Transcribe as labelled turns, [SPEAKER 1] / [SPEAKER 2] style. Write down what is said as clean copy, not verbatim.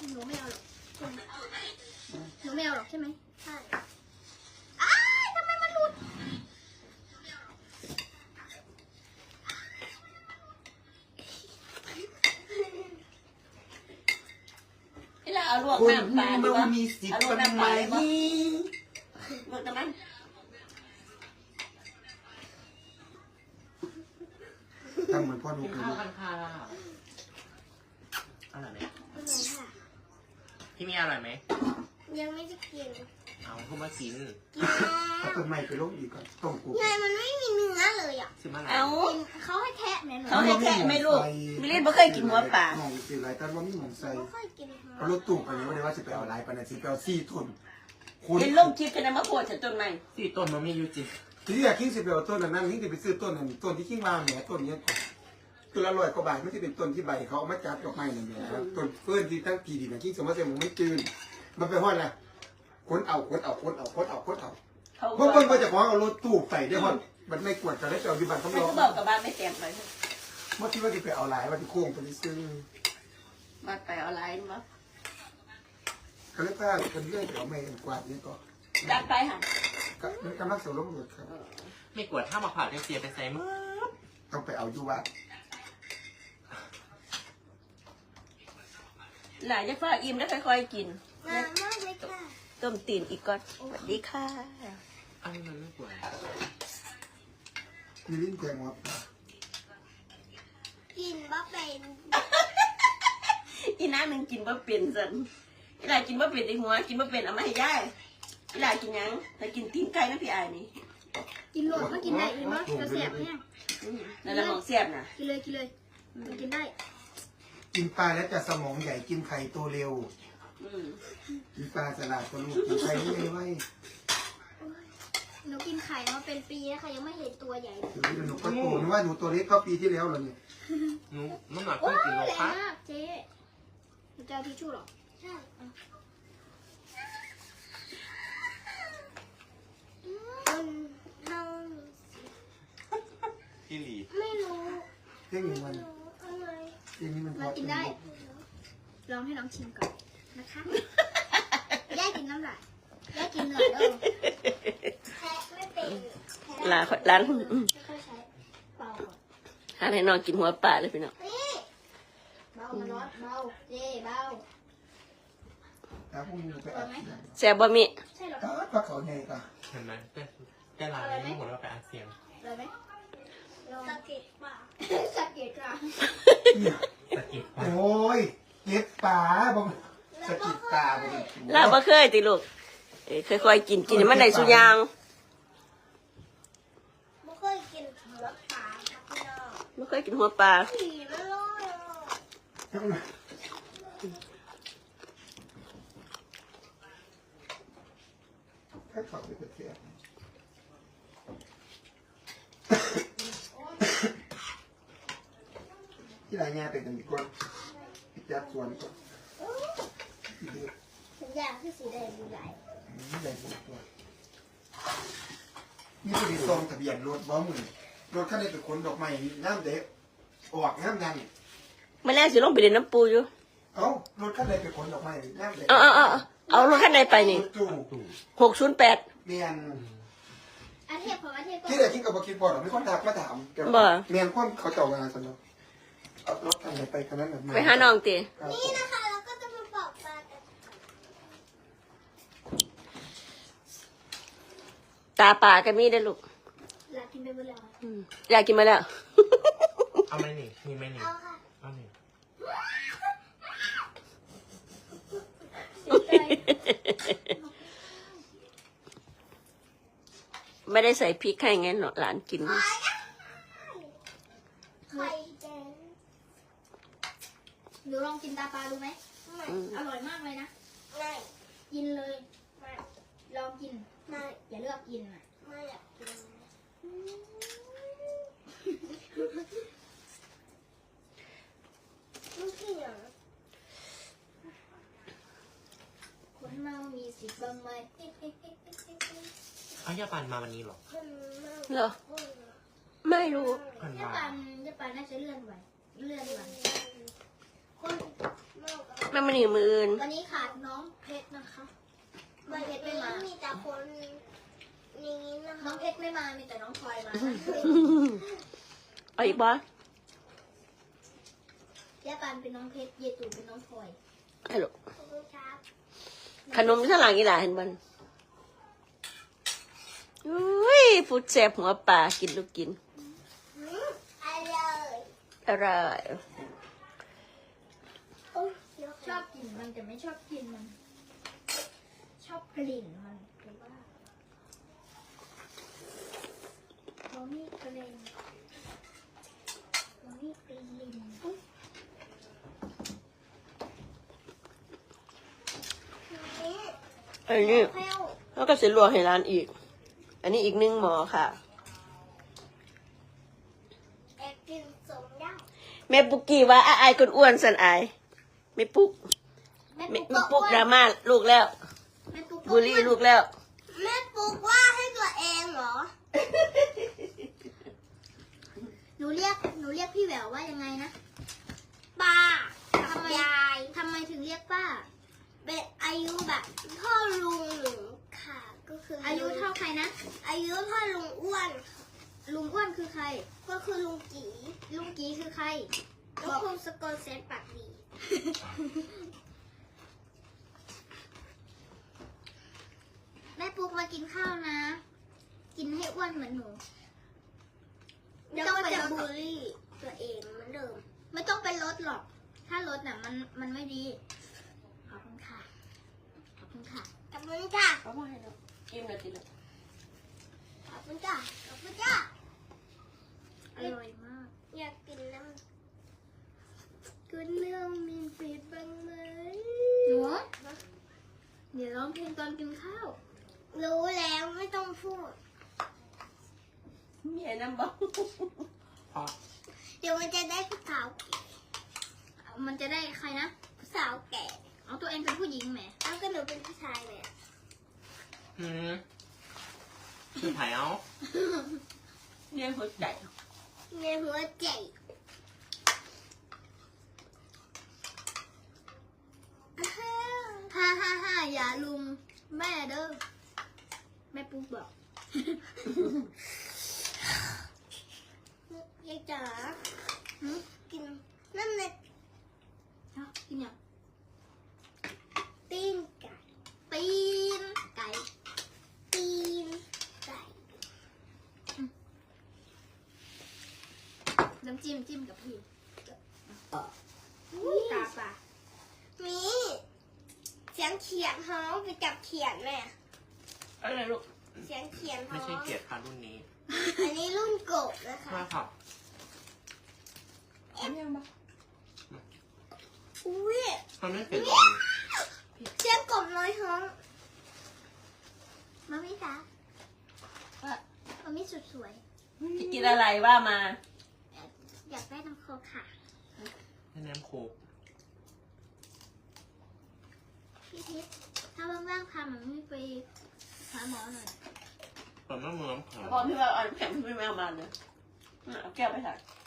[SPEAKER 1] หนูไม่เอาหรอกหนูไม่เอาหรอกใช่ไหมใช่ทำไมมันหลุด
[SPEAKER 2] นี่เราเอาลวกน้ำปลาดีวะเอาลวกน้ำปลาเลยมั้ยลวกน้ำมัน
[SPEAKER 3] ทำเหมือนพ่อดูข้าวกันค่ะ
[SPEAKER 4] อร่อยไหม
[SPEAKER 1] อร่อยค่ะ
[SPEAKER 4] พี่มีอร่อยไหม
[SPEAKER 1] ยังไม่ได้กิน
[SPEAKER 4] เอาเข้ามากิน
[SPEAKER 3] เอาต้นไม้ไปลงอีกก่อนต้มกุ๊ก
[SPEAKER 1] ไงมันไม่มีเนื้อเลยอ่ะ
[SPEAKER 4] ซื้อมาอะไร
[SPEAKER 2] เอา
[SPEAKER 1] เขาให้แทะเนี่ยหนู
[SPEAKER 2] เขาให้แทะไหม่ลูกมิลินไม่เคยกินหัวปลา
[SPEAKER 3] หมองสิไรแต่ว่ามีหมองใส่
[SPEAKER 1] ไม่ค่อยกิน
[SPEAKER 3] เอารถตู้ไปเลยว่าได้ว่าจะไปเอาอะไรไปนะสิไปเอาซี่ต้นคุณ
[SPEAKER 2] เห็นลงคลิปกันนะมะโพดฉันต้นไม้
[SPEAKER 4] สี่ต้นมันมีอยู่จริง
[SPEAKER 3] ที่อยากคิงสิไปเอาต้นนั้นคิงจะไปซื้อต้นนั้นต้นที่คิงมาแหมต้นนี้ตัวละ100 กว่าบาทไม่ใช่เป็นต้นที่ใบเขาเอามาจัดดอกไม้นั่นแหละต้นเพื่อนที่ตั้งกี่ดีนะคิงสมมติว่ามันไม่จืดมันไปห้อยละคนเอาเพิ่งจะขอเอารถตู้ไปได้ห้อยมันไม่กวดจะได้ไปเอาที่บ้านเขา
[SPEAKER 2] ไม่
[SPEAKER 3] ล
[SPEAKER 2] ก็
[SPEAKER 3] ง
[SPEAKER 2] บอกกับบ้านไม่แตกไป
[SPEAKER 3] เมื่อกี้ว่าจะไปเอาหลายว่าที่โค้งไปซื้อ
[SPEAKER 2] บ้านไปเอาอะไรมั้ง
[SPEAKER 3] ก็เลยพาคนเรื่อยไปเอาไม้กวาดนี่ก็
[SPEAKER 2] จัดไปค่ะ
[SPEAKER 3] มันกำลังเสริมลมหมดครับ
[SPEAKER 4] ไม่กวดถ้ามาผ่าเสียไปใส่มือ
[SPEAKER 3] ต้องไปเอาอยู่วัด
[SPEAKER 2] หลายจะฝากอิ่มแล้วค่อยๆกิน
[SPEAKER 1] งามมากเลยค่ะ
[SPEAKER 2] ต้มตีนอีกก่อนสวัสดีค่ะ
[SPEAKER 4] อันนี้มันไม่กวด
[SPEAKER 3] มีลิ้นแทงวัด
[SPEAKER 1] กินบะเป็น
[SPEAKER 2] อีน้าหนึ่งกินบ่เป็นสันอีหลากินบ่เป็นในหัวกินบ่เป็นเอามาให้ยายอีหลากินยังแต่กินตีนไก่นะพี่อายนี่
[SPEAKER 1] กินโหลดก็กินได้เลยมั้ยจะแสบเนี่ย
[SPEAKER 2] นั่นละหมองเสียบนะ
[SPEAKER 1] กินเลยมันกินได้
[SPEAKER 3] กินปลาแล้วจะสมองใหญ่กินไข่โตเร็ว กินปลาสลัดตัวลูกกินไข่ไม่ไว้
[SPEAKER 1] หนูกินไข่มาเป็นปีแล้วค่ะยังไม่เห็นตัวใหญ่เลย
[SPEAKER 3] เดี๋ยวหนูก็โตนึกว่าหนูตัวเล็กก็ปีที่แล้วเหรอเนี่ย
[SPEAKER 4] หนูน้ำหนัก
[SPEAKER 1] โอ้
[SPEAKER 4] เพิ่
[SPEAKER 1] ย
[SPEAKER 4] งกินโล
[SPEAKER 1] แรง
[SPEAKER 4] คะ
[SPEAKER 1] มากเจ๊หนูจะเอาทิชชู่หรอใช่มันเท่า
[SPEAKER 4] พี่หลี
[SPEAKER 1] ไม่รู้
[SPEAKER 3] เที่ยงนี้มัน
[SPEAKER 1] อะไร
[SPEAKER 3] เที่ยงนี้มัน
[SPEAKER 1] มันกินได้ ลองให้น้องชิมก่อนนะคะ ย่ากินน้ำลายย่ากินเหนือเด้อแทะไม่เป็น
[SPEAKER 2] ร้าน
[SPEAKER 1] ไม่ค่อยใช้เบาก่อน
[SPEAKER 2] หาให้น้องกินหัวปลาเลยพี่น้อง
[SPEAKER 1] นี่เบามันร้อนเบาเจ๊เบา
[SPEAKER 3] แล้วพวกนี้ไปอัดเสียง
[SPEAKER 2] แซ่บบ่มี
[SPEAKER 1] ใช่หรอ
[SPEAKER 3] ปลาเขาใหญ่ก่ะ
[SPEAKER 4] เห็นไหมแต่ร้านนี้หมดแล้วไปอัดเสียง
[SPEAKER 1] เลยไหมสะเก็ดป่าสะเก็ดป่า
[SPEAKER 3] เนี่ย
[SPEAKER 4] สะกิด
[SPEAKER 3] โอ้ยเก็บปลาบ่สะกิดตาบ่
[SPEAKER 2] ลาบ่เคยติลูกค่อยๆกินให้มันได้สุอยาง
[SPEAKER 1] ไม่เคยกินหัวปลาครับพี่น้อง
[SPEAKER 2] บ่เคยกินหัวปลา
[SPEAKER 1] ผีไม่ร้อยอ่ะ
[SPEAKER 3] แค่เขาไปเสียที่ไรเงี้ยเป็นกันดีกว่าพิจารสวนก่อน
[SPEAKER 1] สัญญาณคือสีแดงดูใหญ่
[SPEAKER 3] ใหญ่สุดตัวนี่คือซองทะเบียนรถบ้อมือรถคันนี้เป็นคนดอกไม้น้ำเด็กออกน้ำยัน
[SPEAKER 2] มื้อแรกสิลงไปเล่นน้ำปูอยู่
[SPEAKER 3] เอ้ารถคันนี้เป็นคนดอกไม้น้ำเด็ก
[SPEAKER 2] เอารถคันใดไปนี่
[SPEAKER 3] จู่
[SPEAKER 2] 608
[SPEAKER 3] เมียน
[SPEAKER 1] อาเทพของอาเทพก็
[SPEAKER 3] ที่ไหนคิดกับคิดพอหรอไม่คนทักมาถามเมียนความเขาเจ้างานสนุกเอารถคันไหนไปคันนั้นแบบ
[SPEAKER 2] ไปหาน้องติ
[SPEAKER 1] นี่นะคะเราก็จะมาบอกปลากัน
[SPEAKER 2] ตาปลาก็มีได้อลูก
[SPEAKER 1] อยากกินไปเมื่อไหร่
[SPEAKER 2] อยากกินมาแล้ว
[SPEAKER 4] เอาไหมนี่มีไหมนี่
[SPEAKER 1] เอาค่ะ
[SPEAKER 4] เอานี่
[SPEAKER 2] ไม่ได้ใส่พริกให้ไงหลานกิน
[SPEAKER 1] ไข่แดงหนูลองกินตาปลาดูไหมอร่อยมากเลยนะไม่กินเลยไม่ลองกินไม่อย่าเลือกกินอ่ะไม่อยากกินลูกที่อย่างคนเมามีสิทธิ์บ้างไหม
[SPEAKER 4] เอายาปันมาวันนี้หรอ
[SPEAKER 2] เหรอ ไม่รู้
[SPEAKER 4] พัน
[SPEAKER 1] ยา
[SPEAKER 4] มา
[SPEAKER 1] ปันน่าจะเลื่อนไหวคน
[SPEAKER 2] แม่มันนี่มืออื่น
[SPEAKER 1] วันนี้ขาดน้องเพชรนะคะน้องเพชรไม่มา
[SPEAKER 5] มีแต่คนนี้นะคะ
[SPEAKER 1] น้องเพชรไม่มา มีแต่น้องพลอยมา
[SPEAKER 2] เอาอีกบ่
[SPEAKER 1] ย่าปานเป็นน้องเพชร เยตูเป็นน้องพลอย
[SPEAKER 2] ฮัลโหล
[SPEAKER 5] ขอบคุณครับ
[SPEAKER 2] ขนมที่หลังอีหล่าเห็นบ่อุ้ยฟูดแซ่บหัวปลากินลูกกิน
[SPEAKER 5] อร่อย
[SPEAKER 2] อร่อย
[SPEAKER 5] โอ้ยเดี๋ยว
[SPEAKER 1] ชอบกินมันแต่ไม่ชอบกินมัน ชอบกลิ่นมันหรือว่าเรามีกลิ่นเรามีกลิ่น
[SPEAKER 2] อันนี้
[SPEAKER 5] แพ้ว
[SPEAKER 2] แล้วก็เสลวกให้ร้านอีก อันนี้อีก1 หมอค่ะ
[SPEAKER 5] แอบกินสมได้
[SPEAKER 2] แม่ปุกกี้ว่าอายคนอ้วนสันอายแม่ปุก
[SPEAKER 1] แม่
[SPEAKER 2] แม่
[SPEAKER 1] ปุ๊ก
[SPEAKER 2] แม่ปุกดราม่าลูกแล้ว
[SPEAKER 1] แม่ปุ๊ก
[SPEAKER 2] บูลลี่ลูกแล้ว
[SPEAKER 5] แม่ปลูกว่าให้ตัวเองเหรอ
[SPEAKER 1] หนูเรียกพี่แหววว่ายังไงนะ
[SPEAKER 5] ป้า
[SPEAKER 1] ทำไม
[SPEAKER 5] ยาย
[SPEAKER 1] ทำไมถึงเรียกป้า
[SPEAKER 5] เป็นอายุแบบพ่อลุงหนูค่ะ ก็คือ
[SPEAKER 1] อายุเท่าใครนะ
[SPEAKER 5] อายุพ่อลุงอ้วน
[SPEAKER 1] ลุงอ้วนคือใคร
[SPEAKER 5] ก็คือลุงกี
[SPEAKER 1] ลุงกีคือใคร
[SPEAKER 5] ก็คือสกอตเซนปากดี
[SPEAKER 1] แม่ปุ๊กมากินข้าวนะ กินให้อ้วนเหมือนหนู
[SPEAKER 5] เดี๋ยวก็จะบูลลี่ตัวเองเหมือนเดิม
[SPEAKER 1] ไม่ต้องไปลดหรอก ถ้าลดน่ะมันไม่ดี ขอบคุณค่ะ ขอบคุณค่ะ
[SPEAKER 5] ขอบคุณจ้า
[SPEAKER 2] เอามาให้แล้วกินแล้วกินแล้ว
[SPEAKER 5] ขอบคุณจ้าขอบคุณจ้า
[SPEAKER 1] อร่อยมาก
[SPEAKER 5] อยากกินน้
[SPEAKER 1] คุณเรื่องมีฟีดบ้างไหมหนูเดี๋ยวร้องเพลงตอนกินข้าว
[SPEAKER 5] ำรู้แล้วไม่ต้องพูด
[SPEAKER 2] มีไอ้น้ำบ้อง
[SPEAKER 4] เพราะ
[SPEAKER 5] เดี๋ยวมันจะได้ผู้สาว
[SPEAKER 1] มันจะได้ใครนะ
[SPEAKER 5] ผู้สาวแก่
[SPEAKER 1] เอาตัวเองเป็นผู้หญิงแหม
[SPEAKER 5] เอาก็หนูเป็นผู้ชายเลยอะ
[SPEAKER 4] คือไผ่เอา
[SPEAKER 2] เนี่ยหัวใจ
[SPEAKER 5] ในหัวใจ
[SPEAKER 1] ฮ่าฮ่าฮ่าอย่าลุมแม่เด้อ แม่ปุ๊กบอก
[SPEAKER 5] ยายจ๋า
[SPEAKER 1] หึ
[SPEAKER 5] กินนั่นเลย
[SPEAKER 1] เอ้ากินยัง
[SPEAKER 5] ตีนไก่
[SPEAKER 1] ตีนไก่
[SPEAKER 5] ตีนไก่
[SPEAKER 1] น้ำจิ้มกับพี่
[SPEAKER 5] อุ๊ย
[SPEAKER 1] ตาปลา
[SPEAKER 5] มีเสียงเขียนฮ้องไปจับเขียนแม่
[SPEAKER 2] อะไรลูก
[SPEAKER 5] เสียงเขียนฮ้
[SPEAKER 4] ไม่
[SPEAKER 5] อง
[SPEAKER 4] ใช่เกียรติค่ะรุ่นนี้
[SPEAKER 5] อันนี้รุ่นโกบนะคะ
[SPEAKER 4] มาค่ะ
[SPEAKER 2] อันนี้บ้าง
[SPEAKER 5] อุ้ย
[SPEAKER 4] มันไม่เป็น
[SPEAKER 5] เสียงกบน้อยฮ้อง
[SPEAKER 1] มามิจ๊ะมามิสุดสวย
[SPEAKER 2] จะกินอะไรว่ามา
[SPEAKER 1] อยากได้น้ำโคกค่ะ
[SPEAKER 4] ให้น้ำโคก
[SPEAKER 1] พี่ทิพย์ถ้าว่างๆพามันไม่ไปหาหมอหน่อย
[SPEAKER 4] เปิดมะเมืองเผา
[SPEAKER 2] บอกพี่ว่าเอาน้ำแข็งพี่ไม่เอามาเลยเอาแก้วไปถ่าย